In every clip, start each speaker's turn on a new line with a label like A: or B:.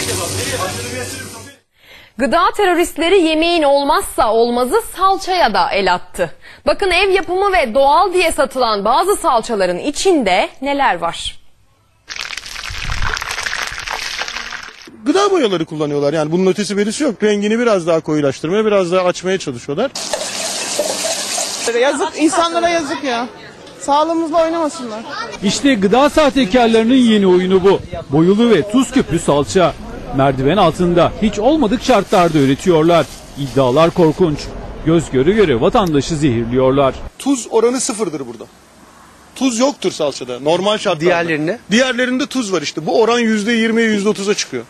A: Gıda teröristleri yemeğin olmazsa olmazı salçaya da el attı. Bakın ev yapımı ve doğal diye satılan bazı salçaların içinde neler var?
B: Gıda boyaları kullanıyorlar, yani bunun ötesi berisi yok. Rengini biraz daha koyulaştırmaya, biraz daha açmaya çalışıyorlar.
C: Yazık, insanlara yazık ya. Sağlığımızla oynamasınlar.
D: İşte gıda sahtekarlarının yeni oyunu bu. Boyulu ve tuz küplü salça. Merdiven altında hiç olmadık şartlarda üretiyorlar. İddialar korkunç. Göz göre göre vatandaşı zehirliyorlar.
B: Tuz oranı sıfırdır burada. Tuz yoktur salçada normal şartlarda.
E: Diğerlerinde?
B: Diğerlerinde tuz var işte. Bu oran %20'ye %30'a çıkıyor.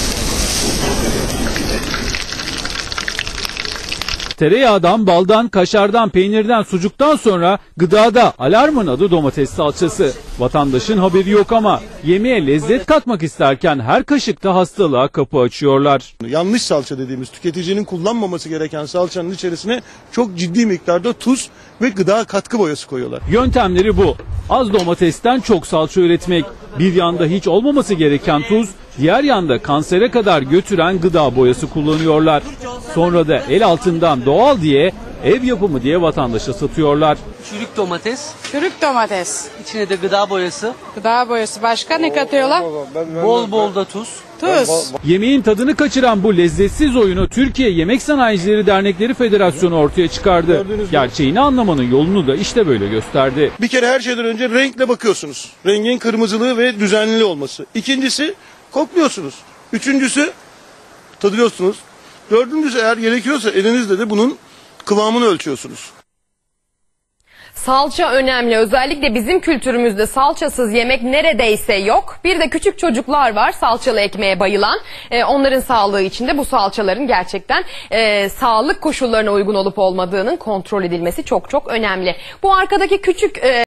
D: Tereyağdan, baldan, kaşardan, peynirden, sucuktan sonra gıdada alarmın adı domates salçası. Vatandaşın haberi yok ama yemeğe lezzet katmak isterken her kaşıkta hastalığa kapı açıyorlar.
B: Yanlış salça dediğimiz, tüketicinin kullanmaması gereken salçanın içerisine çok ciddi miktarda tuz ve gıda katkı boyası koyuyorlar.
D: Yöntemleri bu. Az domatesten çok salça üretmek. Bir yanda hiç olmaması gereken tuz, diğer yanda kansere kadar götüren gıda boyası kullanıyorlar. Sonra da el altından doğal diye, ev yapımı diye vatandaşa satıyorlar.
E: Çürük domates,
C: Çürük domates,
E: içine de gıda boyası,
C: gıda boyası. Başka ne katıyorlar?
E: bol bol da tuz.
C: Tuz.
D: Yemeğin tadını kaçıran bu lezzetsiz oyunu Türkiye Yemek Sanayicileri Dernekleri Federasyonu ortaya çıkardı. Gerçeğini anlamanın yolunu da işte böyle gösterdi.
B: Bir kere her şeyden önce renkle bakıyorsunuz. Rengin kırmızılığı ve düzenli olması. İkincisi kokluyorsunuz. Üçüncüsü tadıyorsunuz. Dördüncüsü eğer gerekiyorsa elinizle de bunun kıvamını ölçüyorsunuz.
A: Salça önemli. Özellikle bizim kültürümüzde salçasız yemek neredeyse yok. Bir de küçük çocuklar var salçalı ekmeğe bayılan. Onların sağlığı için de bu salçaların gerçekten sağlık koşullarına uygun olup olmadığının kontrol edilmesi çok çok önemli. Bu arkadaki küçük